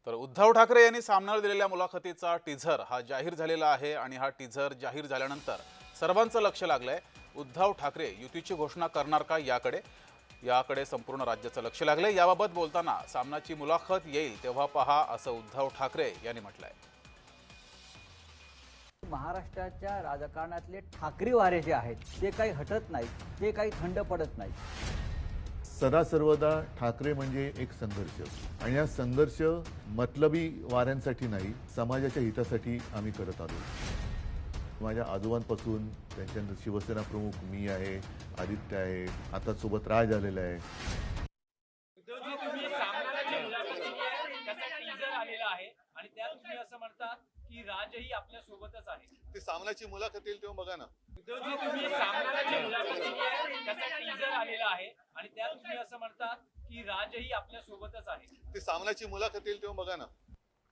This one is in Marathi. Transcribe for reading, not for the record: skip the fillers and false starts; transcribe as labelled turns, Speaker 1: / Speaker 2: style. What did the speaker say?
Speaker 1: तर उद्धव ठाकरे यांनी सामनाला दिलेल्या मुलाखतीचा टीझर हा जाहीर झालेला आहे आणि हा टीझर जाहीर झाल्यानंतर सर्वांचं लक्ष लागलंय उद्धव ठाकरे युतीची घोषणा करणार का याकडे संपूर्ण राज्याचं लक्ष लागलंय। याबाबत बोलताना सामनाची मुलाखत येईल तेव्हा पहा असं उद्धव ठाकरे यांनी म्हटलंय।
Speaker 2: महाराष्ट्राच्या राजकारणातले ठाकरे वारे जे आहेत ते काही हटत नाहीत, ते काही थंड पडत नाहीत।
Speaker 3: सदा सर्वदा ठाकरे म्हणजे एक संघर्ष आणि हा संघर्ष मतलबी वाऱ्यांसाठी नाही, समाजाच्या हितासाठी आम्ही करत आलो। माझ्या आजोबांपासून त्यांच्यानंतर शिवसेना प्रमुख मी आहे, आदित्य आहे, आता सोबत राज आलेला आहे।
Speaker 4: तुम्ही सामनाची मुलाखत दिली आहे, त्याचा टीझर आलेला आहे आणि त्यात तुम्ही असं म्हणतात की राजही आपल्या सोबतच आहे।
Speaker 3: ते सामनाची मुलाखत येईल तेव्हा बघा ना।
Speaker 4: तुम्ही सामनाची मुलाखत दिली आहे, त्याचा टीझर आलेला आहे आणि त्यात तुम्ही असं म्हणतात की राजही आपल्या सोबतच आहे।
Speaker 3: ते सामनाची मुलाखत येईल तेव्हा बघा ना।